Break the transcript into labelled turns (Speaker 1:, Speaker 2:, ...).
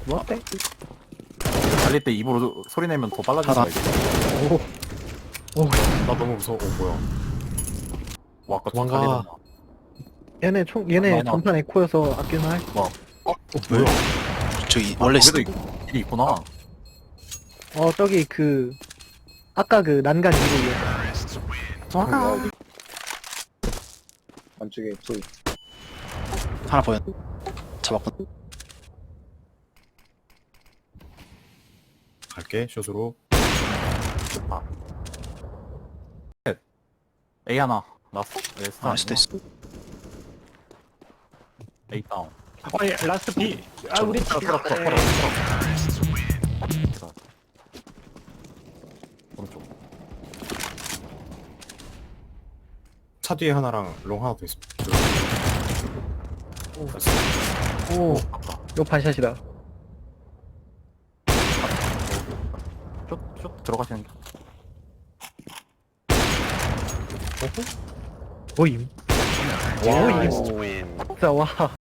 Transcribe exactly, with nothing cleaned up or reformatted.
Speaker 1: 뭐 어때?
Speaker 2: 달릴 때 입으로 소리 내면 더 빨라진다
Speaker 3: 하나.
Speaker 2: 이게.
Speaker 1: 오. 오.
Speaker 2: 나 너무 무서워. 어 뭐야? 와 아까 좀
Speaker 3: 도망가.
Speaker 2: 달리던
Speaker 1: 얘네 총 얘네
Speaker 2: 많이 나왔다.
Speaker 1: 전판 에코여서 아낄만 할.
Speaker 2: 뭐?
Speaker 3: 어,
Speaker 2: 뭐야?
Speaker 3: 저기
Speaker 2: 아,
Speaker 3: 원래
Speaker 2: 거기도
Speaker 3: 있...
Speaker 2: 있- 길이 있구나.
Speaker 1: 어 저기 그 아까 그 난간 위로 위에.
Speaker 2: 도망가.
Speaker 4: 안쪽에 소리.
Speaker 3: 하나 보였. 잡았고.
Speaker 5: 갈게 숏으로.
Speaker 2: 아. A 하나. 나스. A 스타.
Speaker 3: 아, 수도 있어.
Speaker 2: A 다운.
Speaker 5: 어이 라스트 B. 아 우리
Speaker 2: 풀어 풀어 풀어 풀어. 풀어. 오른쪽.
Speaker 5: 차 뒤에 하나랑 롱 하나 더 있어.
Speaker 1: 오.
Speaker 5: 됐어.
Speaker 1: 오.
Speaker 2: 아까.
Speaker 1: 이거 반샷이다.
Speaker 2: 쭉쭉 들어가시는 게.
Speaker 1: 모임.
Speaker 2: 와.
Speaker 1: 모임. 진짜 와.